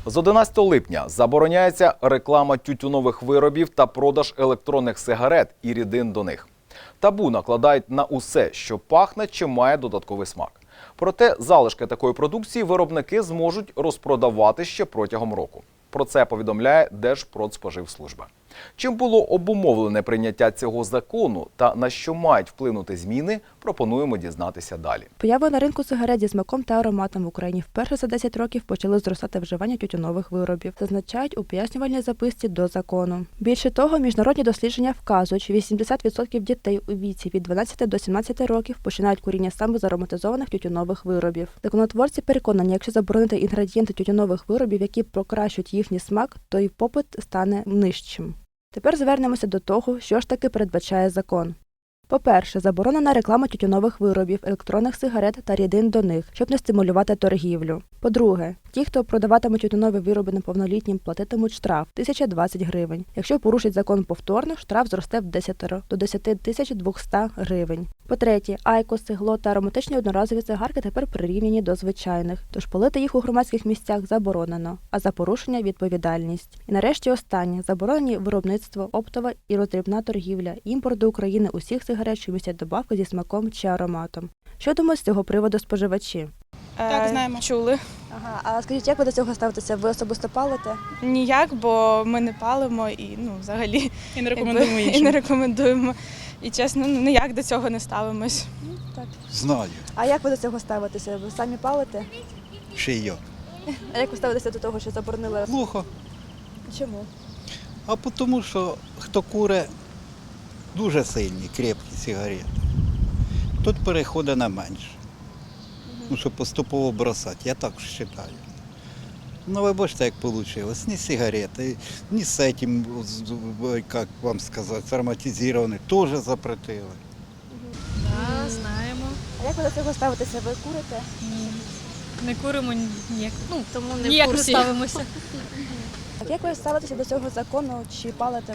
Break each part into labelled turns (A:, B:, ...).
A: З 11 липня забороняється реклама тютюнових виробів та продаж електронних сигарет і рідин до них. Табу накладають на усе, що пахне чи має додатковий смак. Проте залишки такої продукції виробники зможуть розпродавати ще протягом року. Про це повідомляє Держпродспоживслужба. Чим було обумовлене прийняття цього закону та на що мають вплинути зміни, пропонуємо дізнатися далі.
B: Поява на ринку сигарет зі смаком та ароматом в Україні вперше за 10 років почали зростати вживання тютюнових виробів, зазначають у пояснювальній записці до закону. Більше того, міжнародні дослідження вказують, що 80% дітей у віці від 12 до 17 років починають куріння саме з ароматизованих тютюнових виробів. Законотворці переконані, якщо заборонити інгредієнти тютюнових виробів, які покращують їхній смак, то і попит стане нижчим. Тепер звернемося до того, що ж таки передбачає закон. По-перше, заборонена реклама тютюнових виробів, електронних сигарет та рідин до них, щоб не стимулювати торгівлю. По-друге, ті, хто продаватиме тютюнові вироби неповнолітнім, платитимуть штраф – 1020 гривень. Якщо порушить закон повторно, штраф зросте в 10 до 10 200 гривень. По-третє, айкос, сигло та ароматичні одноразові цигарки тепер прирівняні до звичайних, тож палити їх у громадських місцях заборонено, а за порушення – відповідальність. І нарешті останнє – заборонені виробництво, оптова і роздрібна торгівля, імпорт до України усіх сигарет, що містять добавки зі смаком чи ароматом. Що думають з цього приводу споживачі?
C: Так, знаємо. Чули.
B: Ага, а скажіть, як ви до цього ставитеся? Ви особисто палите?
C: Ніяк, бо ми не палимо і взагалі
D: І не рекомендуємо
C: і
D: іншим.
C: не рекомендуємо. І чесно, ніяк до цього не ставимось.
B: Так.
E: Знаю,
B: А як ви до цього ставитеся? Ви самі палите?
E: ще й я.
B: А як ви ставитеся до того, що заборонили?
E: Плохо.
B: Чому?
E: А тому, що хто куре дуже сильні, крепкі сигарети, тут переходить на менше. Ну, щоб поступово бросати, я так вважаю. Ну, ви бачите, як вийшло. Ні сигарети, ні з цим, як вам сказати, ароматизовані, теж запретили.
D: Так, знаємо.
B: А як ви до цього ставитеся? Ви курите?
D: Не куримо ніяк.
F: Тому не
D: Ніяк
F: в
D: не
F: курсі.
D: ставимося.
B: А як ви ставитеся до цього закону? Чи палите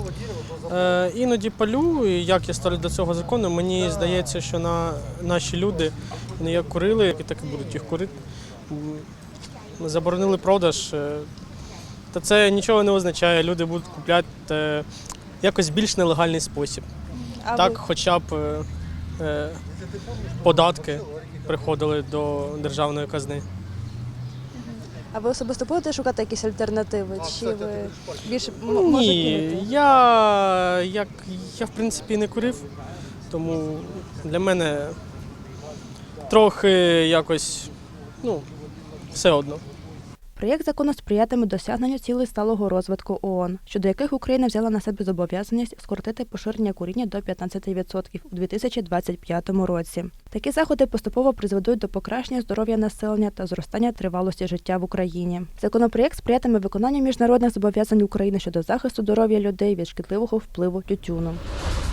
B: ви?
G: Іноді палю, і як я ставлю до цього закону, мені здається, що наші люди, вони як курили, і так і будуть їх курити. Ми заборонили продаж, та це нічого не означає, люди будуть купляти якось більш нелегальний спосіб.
B: А
G: Так,
B: ви?
G: хоча б податки приходили до державної казни.
B: А ви особисто будете шукати якісь альтернативи? Чи ви більше можете
G: Ні,
B: кинути?
G: я в принципі не курив, тому для мене трохи якось, все одно.
B: Проєкт закону сприятиме досягненню цілей сталого розвитку ООН, щодо яких Україна взяла на себе зобов'язаність скоротити поширення куріння до 15% у 2025 році. Такі заходи поступово призведуть до покращення здоров'я населення та зростання тривалості життя в Україні. Законопроєкт сприятиме виконанню міжнародних зобов'язань України щодо захисту здоров'я людей від шкідливого впливу тютюну.